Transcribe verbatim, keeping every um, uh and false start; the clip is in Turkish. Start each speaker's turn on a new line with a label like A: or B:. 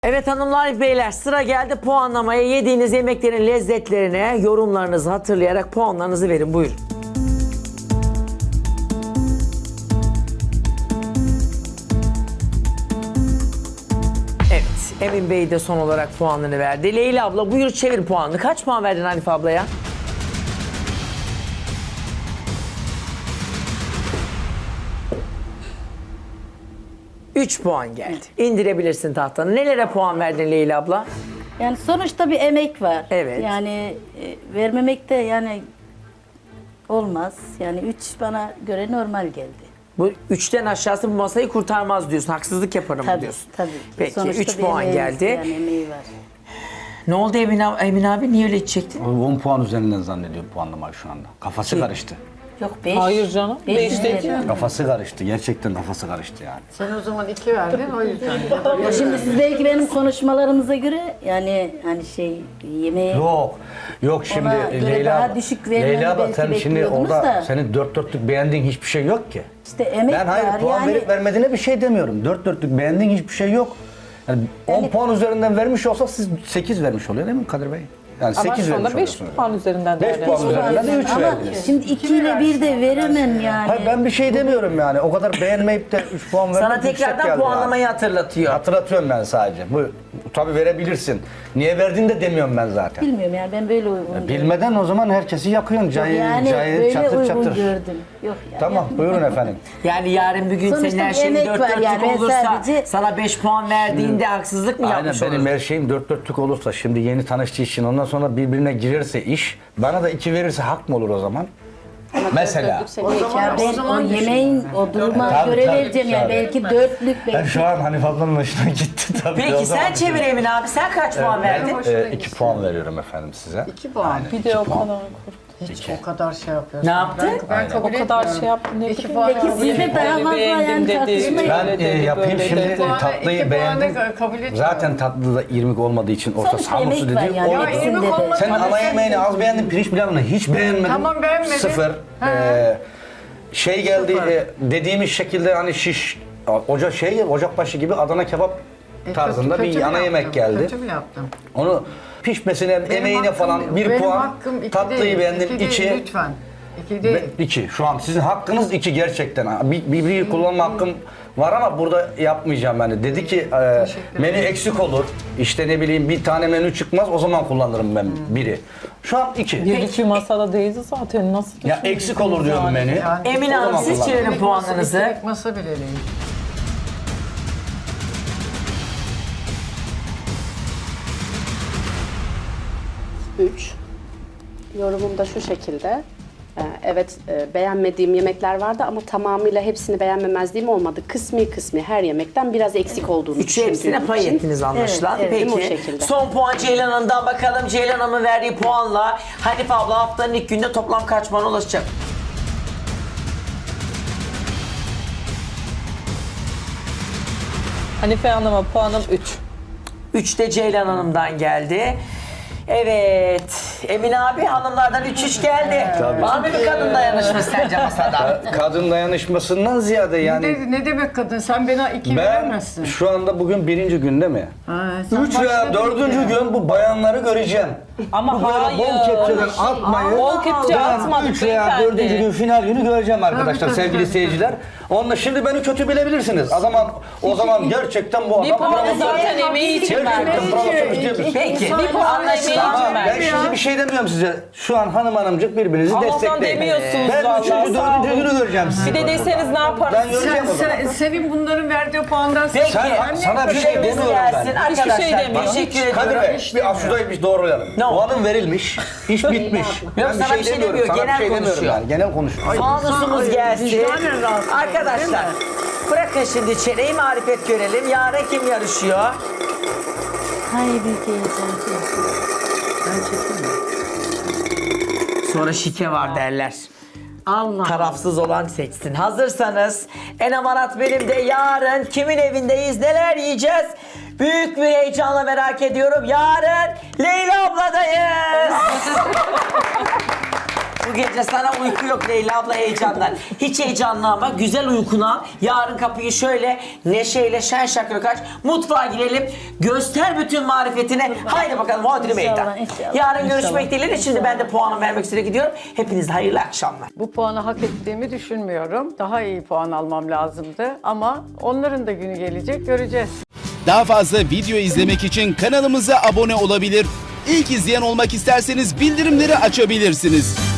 A: Evet hanımlar beyler, sıra geldi puanlamaya. Yediğiniz yemeklerin lezzetlerine yorumlarınızı hatırlayarak puanlarınızı verin. Buyurun. Evet, Emin Bey de son olarak puanını verdi. Leyla abla buyur çevir puanını. Kaç puan verdin Hanife ablaya? üç puan geldi. İndirebilirsin tahtanı. Nelere puan verdin Leyla abla?
B: Yani sonuçta bir emek var.
A: Evet.
B: Yani e, vermemek de yani olmaz. Yani üç bana göre normal geldi.
A: Bu üçten aşağısı bu masayı kurtarmaz diyorsun. Haksızlık yaparım
B: Tabii
A: diyorsun.
B: tabii.
A: Peki
B: Sonuçta
A: üç
B: bir
A: puan
B: emeğimiz,
A: geldi.
B: Yani emeği var.
A: Ne oldu Emin abi, Emin abi niye öyle çektin?
C: on puan üzerinden zannediyor puanlamayı şu anda. Kafası karıştı.
B: Yok beş.
D: Hayır canım,
B: Beş
D: beş değil.
B: veriyorum.
C: Kafası karıştı. Gerçekten kafası karıştı yani.
E: Sen o zaman iki verdin o yüzden.
B: Ya şimdi siz belki benim konuşmalarımıza göre yani hani şey yemeği
C: Yok. Yok şimdi
B: Ona göre
C: Leyla
B: daha
C: abla-
B: düşük vermeni
C: Leyla abla
B: belki
C: sen şimdi
B: bekliyordunuz
C: orada
B: da.
C: senin dört dörtlük beğendiğin hiçbir şey yok ki.
B: işte emek
C: Ben hayır
B: var
C: puan
B: yani.
C: verip vermediğine bir şey demiyorum. Dört dörtlük beğendiğin hiçbir şey yok. Yani on puan üzerinden vermiş olsa siz sekiz vermiş oluyor değil mi Kadir Bey? Yani
D: Ama
C: sekiz
D: şu
C: vermiş
D: anda beş
C: oluyorsunuz.
D: puan üzerinden
C: beş
D: değerli.
C: puan üzerinden de üç
B: Ama
C: verdiniz.
B: şimdi iki ile bir de veremem yani.
C: Hayır ben bir şey demiyorum yani. O kadar beğenmeyip de üç puan vermek
A: Sana
C: yüksek
A: tekrardan
C: geldi
A: puanlamayı
C: yani.
A: hatırlatıyor.
C: Hatırlatıyorum ben sadece. Bu tabii verebilirsin. Niye verdiğini de demiyorum ben zaten.
B: Bilmiyorum yani ben böyle uygun gördüm.
C: Bilmeden o zaman herkesi yakıyorsun. Cayır
B: Yani
C: cayır
B: böyle
C: çatır
B: uygun
C: çatır.
B: gördüm. Yok yani.
C: Tamam buyurun efendim.
A: Yani yarın bir gün
B: Sonuçta
A: senin her
B: bir
A: şeyin
B: emek
A: dört
B: var
A: dörtlük
B: yani. Ben
A: olursa
B: sadece-
A: sana beş puan verdiğinde haksızlık mı
C: Aynen
A: yapmış
C: benim
A: olursun?
C: her şeyim dört dörtlük olursa şimdi yeni tanıştığı için ondan sonra birbirine girerse iş bana da iki verirse hak mı olur o zaman? Mesela.
E: O zaman,
B: Ya
E: o
B: ben
E: zaman
B: o yemeğin o duruma
C: Tabii,
B: göre
C: tabii,
B: vereceğim yani
C: tabii.
B: belki dörtlük
C: Ben
B: belki.
C: şu an Hanife ablanın hoşuna gitti tabii. O
A: Peki
C: zaman
A: sen çevir Emin abi. Sen kaç puan verdin?
E: hoşuna
C: e, iki
E: gitsin.
C: puan veriyorum efendim size.
E: İki puan.
D: Bir de o kadar
E: Hiç o kadar şey yapıyorsun.
A: Ne yaptın?
E: Ben, ben kabul
D: o kadar
E: etmiyorum.
D: şey yaptım. Ne
E: İki
D: bileyim.
E: puan
B: Peki
E: kabul
B: siz de
E: etmiyorum.
B: daha
D: Böyle
B: fazla
D: beğendim
B: yani
D: dedi,
B: tartışmayın.
C: Ben
D: böyle
C: e,
D: dedi,
C: yapayım
D: böyle
C: şimdi
D: dedi.
E: İki puanı-
C: tatlıyı
E: iki puanı
C: beğendim.
E: kabul etmiyorum.
C: Zaten tatlı da irmik olmadığı için orta
B: Sonuçta
C: samusu
B: emek var
C: dediğim
B: yani
C: o-
E: Ya
B: hepsinde
E: irmik
B: de.
E: olmasa
C: Sen
E: da
C: ana
E: sen-
C: yemeğini az beğendin, pirinç pilavını hiç beğenmedin.
E: Tamam, beğenmedim.
C: Sıfır.
E: Ha.
C: Ee, şey geldi,
E: Sıfır.
C: e, dediğimiz şekilde hani şiş, ocak şey, ocakbaşı gibi Adana kebap
E: E,
C: tarzında
E: kötü-
C: bir
E: kötü mü
C: ana yemek
E: yaptım?
C: geldi.
E: Kötü mü yaptım?
C: Onu pişmesine,
E: Benim
C: emeğine
E: hakkım-
C: falan bir
E: benim
C: puan,
E: hakkım iki
C: tatlıyı
E: değil,
C: beğendim
E: iki değil,
C: iki.
E: lütfen. İki değil.
C: Be- iki. Şu an sizin hakkınız iki gerçekten. Ha, Bir, bir, bir kullanma hakkım var ama burada yapmayacağım yani. Dedi ki e, menü eksik olur. İşte ne bileyim bir tane menü çıkmaz o zaman kullanırım ben biri. Şu an iki.
D: Girdik bir masada değildi zaten. Nasıl
C: Ya
D: düşündünüz
C: eksik olur diyorum
D: yani?
C: menü.
E: Yani
A: Emin
C: O
A: Hanım
C: zaman
A: siz
C: kullanırım.
A: çevirin puanlarınızı.
E: İsterik masa bile değil.
F: üç. Yorumum da şu şekilde. Ee, Evet e, beğenmediğim yemekler vardı ama tamamıyla hepsini beğenmemezliğim olmadı. Kısmi kısmi her yemekten biraz eksik olduğunu
A: Üçü hepsine
F: düşündüğüm
A: pay
F: için.
A: ettiniz anlaşılan.
F: Evet, evet,
A: Peki
F: o şekilde.
A: son puan Ceylan Hanım'dan bakalım. Ceylan Hanım'ın verdiği puanla Hanife abla haftanın ilk günde toplam kaç puan ulaşacak?
D: Hanife Hanım'a puanım üç.
A: üç de Ceylan Hanım'dan geldi. Evet. Emin abi hanımlardan üç üç geldi. Var mı bir kadın dayanışması sence masada?
C: Kadın dayanışmasından ziyade yani
E: Ne, ne demek kadın? Sen bana iki
C: ben
E: veremezsin.
C: şu anda bugün birinci günde mi?
E: Ha, sen
C: Üç veya
E: başladın
C: dördüncü
E: ya.
C: gün bu bayanları göreceğim.
D: Ama
C: Bu böyle
D: hayır.
C: bol kepçeden atmayı.
D: Bol kepçe
C: Ben
D: atmadık
C: üç veya
D: beyefendi.
C: dördüncü gün final günü göreceğim arkadaşlar
E: Tabii, tabii,
C: sevgili
E: tabii,
C: seyirciler. Onunla şimdi beni kötü bilebilirsiniz. O zaman o zaman gerçekten bu
D: Bir
C: adam
D: puanı
C: provokatör.
D: zaten emeği için
C: Gerçekten
D: verdim.
C: provokatör diyebiliriz.
A: Peki.
E: İnsan-
D: Bir puanı emeği
A: Anlaşılan.
D: için
C: Ben
D: verdim.
C: şimdi bir şey demiyorum size. Şu an hanım hanımcık birbirinizi
D: Ama o zaman
C: destekleyin.
D: demiyorsunuz
C: Ben
D: vallahi,
C: üçüncü,
D: sağ
C: dördüncü
D: olun.
C: günü göreceğim sizi.
D: Bir de deseniz ne yaparız?
C: Ben göreceğim
E: Sen,
C: o zaman.
E: sen, senin bunların verdiği puandan
A: Peki.
C: Sen- sana bir şey
A: Süremiz
C: demiyorum ben.
A: gelsin. Arkadaşlar
D: Hiçbir şey demiyorum.
A: teşekkür
C: Kadir
A: ediyorum.
C: Bey, bir şurayı bir doğrulayalım.
A: Ne oldu?
C: Puanın verilmiş, iş bitmiş. Ben
A: sana bir şey
C: demiyorum,
A: demiyor,
C: sana
A: genel
C: bir şey demiyorum
A: konuşuyor.
C: yani, genel konuşuyor.
A: Fanusumuz
E: Ay,
A: gelsin.
E: vicdanen rahatsız oldum,
A: Arkadaşlar bırakın şimdi çeneyi marifet görelim. Yarın kim yarışıyor?
B: Hay büyük heyecan.
A: Sonra şike var derler.
E: Allah.
A: Tarafsız olan seçsin. Hazırsanız en amarat benim de yarın kimin evindeyiz, neler yiyeceğiz? Büyük bir heyecanla merak ediyorum. Yarın Leyla abladayız. Bu gece sana uyku yok Leyla abla heyecandan. Hiç heyecanlanma. Güzel uykunu al. Yarın kapıyı şöyle neşeyle şen şakrak aç. Mutfağa girelim. Göster bütün marifetini. Haydi bakalım hodri meydan.
B: İnşallah, inşallah.
A: Yarın görüşmek dileğiyle. Şimdi ben de puanımı vermek üzere gidiyorum. Hepinize hayırlı akşamlar.
E: Bu puanı hak ettiğimi düşünmüyorum. Daha iyi puan almam lazımdı. Ama onların da günü gelecek, göreceğiz.
G: Daha fazla video izlemek için kanalımıza abone olabilir. İlk izleyen olmak isterseniz bildirimleri açabilirsiniz.